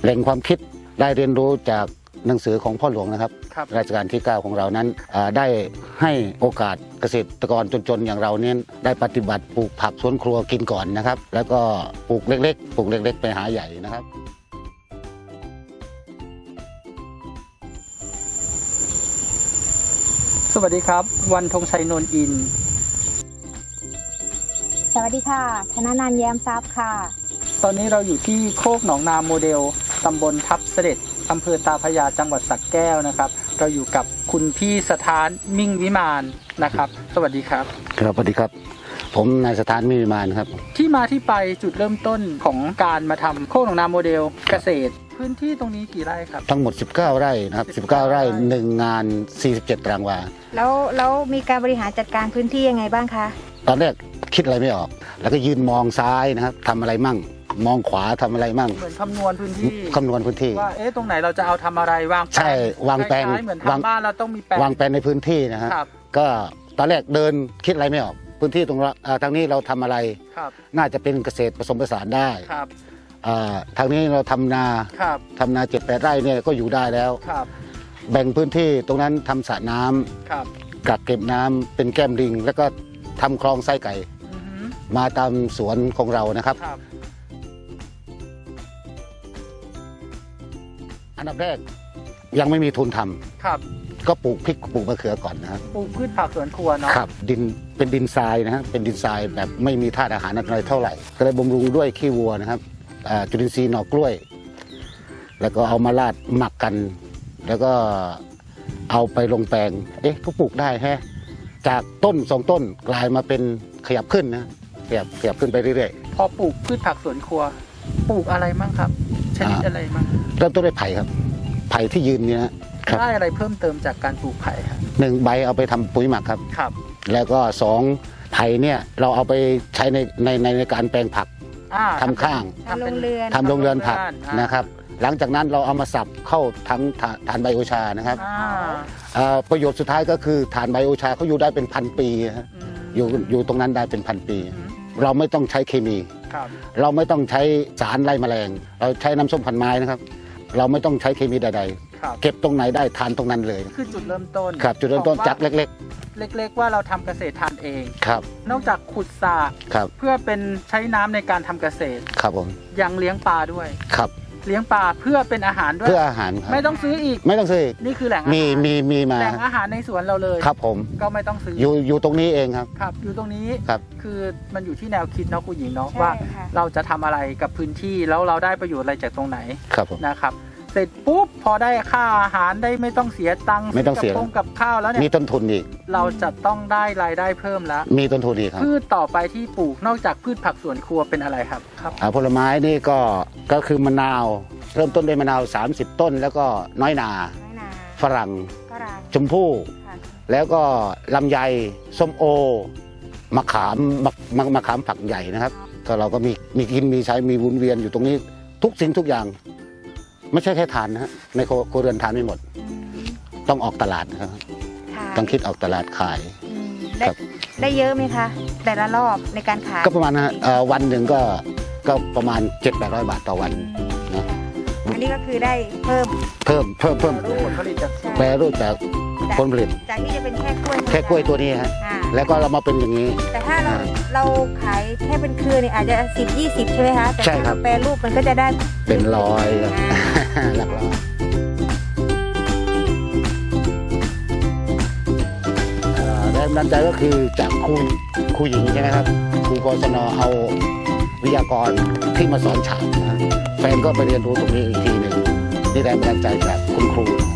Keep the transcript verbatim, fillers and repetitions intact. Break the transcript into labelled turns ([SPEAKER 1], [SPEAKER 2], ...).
[SPEAKER 1] แหล่งความคิดได้เรียนรู้จากหนังสือของพ่อหลวงนะครับ
[SPEAKER 2] ครับ
[SPEAKER 1] รัชกาลที่เก้าของเรานั้นได้ให้โอกาสเกษตรกรจนๆอย่างเราเนี่ยได้ปฏิบัติปลูกผักสวนครัวกินก่อนนะครับแล้วก็ปลูกเล็กๆปลูกเล็กๆไปหาใหญ่นะครับ
[SPEAKER 2] สวัสดีครับ วันธงชัยนนท์อิน
[SPEAKER 3] สวัสดีค่ะธนนันท์แย้มทรัพย์ค่ะ
[SPEAKER 2] ตอนนี้เราอยู่ที่โคกหนองนาโมเดลตำบลทับเสด็จอำเภอตาพระยาจังหวัดสระแก้วนะครับเราอยู่กับคุณพี่สถานมิ่งวิมานนะครับสวัสดีครับ
[SPEAKER 1] ครับสวัสดีครับผมนายสถานมิ่งวิมานครับ
[SPEAKER 2] ที่มาที่ไปจุดเริ่มต้นของการมาทำโคกหนองนาโมเดลเกษตรพื้นที่ตรงนี้กี่ไร่ครับ
[SPEAKER 1] ทั้งหมดสิบเก้าไร่นะครับสิบเก้าไร่หนึ่งงานสี่สิบเจ็ดตารางวา
[SPEAKER 3] แล้วแล้วมีการบริหารจัดการพื้นที่ยังไงบ้างคะ
[SPEAKER 1] ตอนแรกคิดอะไรไม่ออกแล้วก็ยืนมองซ้ายนะครับทำอะไรมั่งมองขวาทำอะไรมั่ง
[SPEAKER 2] เหมือนคำนวณพื้นที่
[SPEAKER 1] คำนวณพื้นที่
[SPEAKER 2] ว่าเอ๊ะตรงไหนเราจะเอาทำอะไรวางแปลง
[SPEAKER 1] ใช่วางแปลง
[SPEAKER 2] เหมือนทำบ้านเราต้องมีแปลง
[SPEAKER 1] วางแปลงในพื้นที่นะฮะก็ตอนแรกเดินคิดอะไรไม่ออกพื้นที่ตรงทางนี้เราทำอะไรน่าจะเป็นเกษตรผสมผสานได้ทางนี้เราทำนาทำนาเจ็ดแปดไร่เนี่ยก็อยู่ได้แล้วแบ่งพื้นที่ตรงนั้นทำสระน้ำกักเก็บน้ำเป็นแก้มลิงแล้วก็ทำคลองไส้ไก่มาตามสวนของเรานะครับอันดับแรกยังไม่มีทุนทำก็ปลูกพริกปลูกมะเขือก่อนนะครับ
[SPEAKER 2] ปลูกพืชผักสวนครัวเนาะ
[SPEAKER 1] ครับดินเป็นดินทรายนะฮะเป็นดินทรายแบบไม่มีธาตุอาหารอะไรเท่าไหร่ก็เลยบำรุงด้วยขี้วัวนะครับจุลินทรีย์หน่อกล้วยแล้วก็เอามาราดหมักกันแล้วก็เอาไปลงแปลงเอ๊ะก็ปลูกได้แฮะจากต้นสองต้นกลายมาเป็นขยับขึ้นนะขยับขยับขึ้นไปเรื่อย
[SPEAKER 2] ๆพอปลูกพืชผักสวนครัวปลูกอะไรมั่งครับชนิดอะไรมั่ง
[SPEAKER 1] เริ่มต้นด้วยไผ่ครับไผ่ที่ยืนเนี่ย
[SPEAKER 2] ได้อะไรเพิ่มเติมจากการปลูกไผ่ครับ
[SPEAKER 1] หนึ่งใบเอาไปทำปุ๋ยหมักครับ
[SPEAKER 2] ครับ
[SPEAKER 1] แล้วก็สองไผ่เนี่ยเราเอาไปใช้ในในในการแปลงผักทำข้าง
[SPEAKER 3] ทำโรงเรือน
[SPEAKER 1] ทำโรงเรือนผักนะครับหลังจากนั้นเราเอามาสับเข้าทั้งฐานไบโอชานะครับประโยชน์สุดท้ายก็คือฐานไบโอชาเขาอยู่ได้เป็นพันปีอยู่อยู่ตรงนั้นได้เป็นพันปีเราไม่ต้องใช้เคมีเราไม่ต้องใช้สารไล่แมลงเราใช้น้ำส้มพันไม้นะครับเราไม่ต้องใช้เคมีใดๆเก็บตรงไหนได้ทานตรงนั้นเลย
[SPEAKER 2] คือจุดเริ่มต้น
[SPEAKER 1] ครับจุดเริ่มต้นจากเล็ก
[SPEAKER 2] ๆเล็กๆว่าเราทำเกษตรทานเอง
[SPEAKER 1] ครับ
[SPEAKER 2] นอกจากขุดสระเพื่อเป็นใช้น้ำในการทำเกษตร
[SPEAKER 1] ครับผม
[SPEAKER 2] ยังเลี้ยงปลาด้วย
[SPEAKER 1] ครับ
[SPEAKER 2] เลี้ยงปลาเพื่อเป็นอาหารด้วย
[SPEAKER 1] เพื่ออาหาร
[SPEAKER 2] ไม่ต้องซื้ออีก
[SPEAKER 1] ไม่ต้องซื้อ
[SPEAKER 2] นี่คือแหล่งอาหาร
[SPEAKER 1] มีมีมีมา
[SPEAKER 2] แหล่งอาหารในสวนเราเลย
[SPEAKER 1] ครับผม
[SPEAKER 2] ก็ไม่ต้องซื้อ
[SPEAKER 1] อยู่อยู่ตรงนี้เองครับ
[SPEAKER 2] ครับอยู่ตรงนี้
[SPEAKER 1] ครับ
[SPEAKER 2] คือมันอยู่ที่แนวคิดเนาะคุณหญิงเนาะว่าเราจะทำอะไรกับพื้นที่แล้วเราได้ประโยชน์อะไรจากตรงไหน
[SPEAKER 1] ครับผม
[SPEAKER 2] นะครับเสร็จปุ๊บพอได้ค่าอาหารได้ไม่ต้องเสียตังค์
[SPEAKER 1] ไม่ต้องเสีย
[SPEAKER 2] กับข้าวแล้วเนี่ย
[SPEAKER 1] มีต้นทุนอีก
[SPEAKER 2] เราจะต้องได้รายได้เพิ่มแล้ว
[SPEAKER 1] มีต้นทุนอีกครับ
[SPEAKER 2] พืชต่อไปที่ปลูกนอกจากพืชผักสวนครัวเป็นอะไรครับครับ
[SPEAKER 1] ผลไม้นี่ก็ก็คือมะนาวเริ่มต้นด้วยมะนาวสามสิบต้นแล้วก็น้อยนาฝรั่งชมพู่แล้วก็ลำไยส้มโอมะขามมะมะขามผักใหญ่นะครับก็เราก็มีมีกินมีใช้มีวนเวียนอยู่ตรงนี้ทุกสิ่งทุกอย่างไม่ใช่แค่ทานนะฮะในครัวเรือนทานไม่หมดต้องออกตลาดนะครับต้องคิดออกตลาดขาย
[SPEAKER 3] ได้เยอะไหมคะแต่ละรอบในการขาย
[SPEAKER 1] ก็ประมาณนะวันหนึ่งก็ก็ประมาณเจ็ดแปดร้อยบาทต่อวันนะ
[SPEAKER 3] อันนี้ก็คือได้เพิ่ม
[SPEAKER 1] เพิ่มเพิ่มเพิ่ม
[SPEAKER 2] ผลผลิตจาก
[SPEAKER 1] แปรรูปจากผลผลิต
[SPEAKER 3] จากที่จะเป็นแค่กล้วย
[SPEAKER 1] แค่กล้วยตัวนี้ฮะแล้วก็เรามาเป็นอย่างนี้
[SPEAKER 3] แต่ถ้าเราเราขายแค่เป็นเครือเนี่ยอาจจะสิบยี่สิบใช่ไหมคะแต่ถ้าแปรรูปมันก็จะได้
[SPEAKER 1] เป็นร้อยหลักร้อยแรงบันดาลใจก็คือจากครูครูหญิงใช่ไหมครับครูกศนเอาวิทยากรที่มาสอนฉาบนะแฟนก็ไปเรียนรู้ตรงนี้อีกทีหนึ่งนี่แรงบันดาลใจจากคุณครู